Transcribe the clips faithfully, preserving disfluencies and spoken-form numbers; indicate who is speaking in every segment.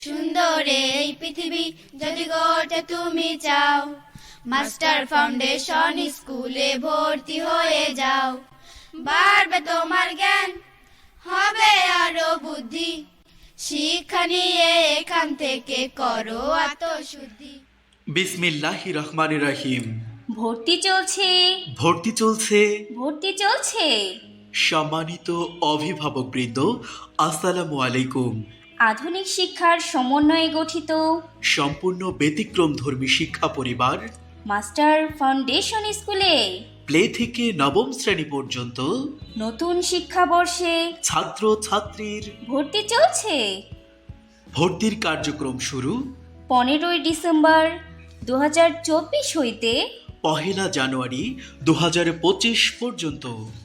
Speaker 1: সুন্দর এই পৃথিবী যদি গড়তে তুমি চাও, মাস্টার ফাউন্ডেশন স্কুলে ভর্তি হয়ে যাও। বাড়বে তোমার জ্ঞান, হবে আরো বুদ্ধি, শিক্ষা নিয়ে এখান থেকে করো আত্মশুদ্ধি।
Speaker 2: বিসমিল্লাহির রহমানির রহিম।
Speaker 3: ভর্তি চলছে
Speaker 2: ভর্তি চলছে
Speaker 3: ভর্তি চলছে
Speaker 2: সম্মানিত অভিভাবকবৃন্দ, আসসালামু আলাইকুম।
Speaker 3: আধুনিক শিক্ষার সমন্বয়ে গঠিত
Speaker 2: সম্পূর্ণ ব্যতিক্রম ধর্মী শিক্ষা পরিবার
Speaker 3: মাস্টার ফাউন্ডেশন স্কুলে
Speaker 2: প্লে থেকে নবম শ্রেণী পর্যন্ত
Speaker 3: নতুন শিক্ষাবর্ষে
Speaker 2: ছাত্র ছাত্রীর
Speaker 3: ভর্তি চলছে।
Speaker 2: ভর্তির কার্যক্রম শুরু
Speaker 3: পনেরোই ডিসেম্বর দু হাজার চব্বিশ হইতে
Speaker 2: পহেলা জানুয়ারি দু হাজার পঁচিশ পর্যন্ত।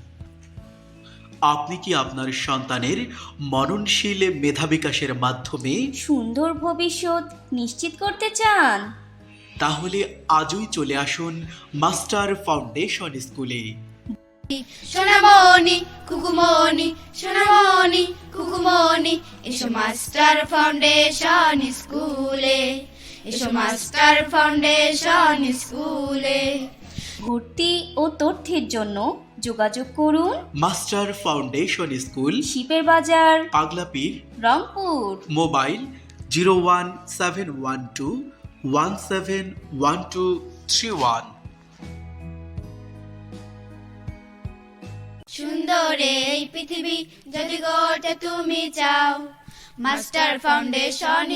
Speaker 2: আপনি কি আপনার সন্তানের মননশীল মেধা বিকাশের মাধ্যমে
Speaker 3: সুন্দর ভবিষ্যৎ নিশ্চিত করতে চান?
Speaker 2: তাহলে আজই চলে আসুন মাস্টার ফাউন্ডেশন স্কুলে।
Speaker 1: সোনামণি কুকুমণি, সোনামণি কুকুমণি, এসো মাস্টার ফাউন্ডেশন স্কুলে, এসো মাস্টার ফাউন্ডেশন স্কুলে।
Speaker 3: ভর্তি ও তথ্যের জন্য যোগাযোগ করুন
Speaker 2: মাস্টার ফাউন্ডেশন স্কুল,
Speaker 3: শিপের বাজার,
Speaker 2: Paglapir,
Speaker 3: Rangpur.
Speaker 2: Mobile zero one seven one two one seven one two three one.
Speaker 1: সুন্দর এই পৃথিবী যদি গড়তে তুমি চাও, মাস্টার ফাউন্ডেশন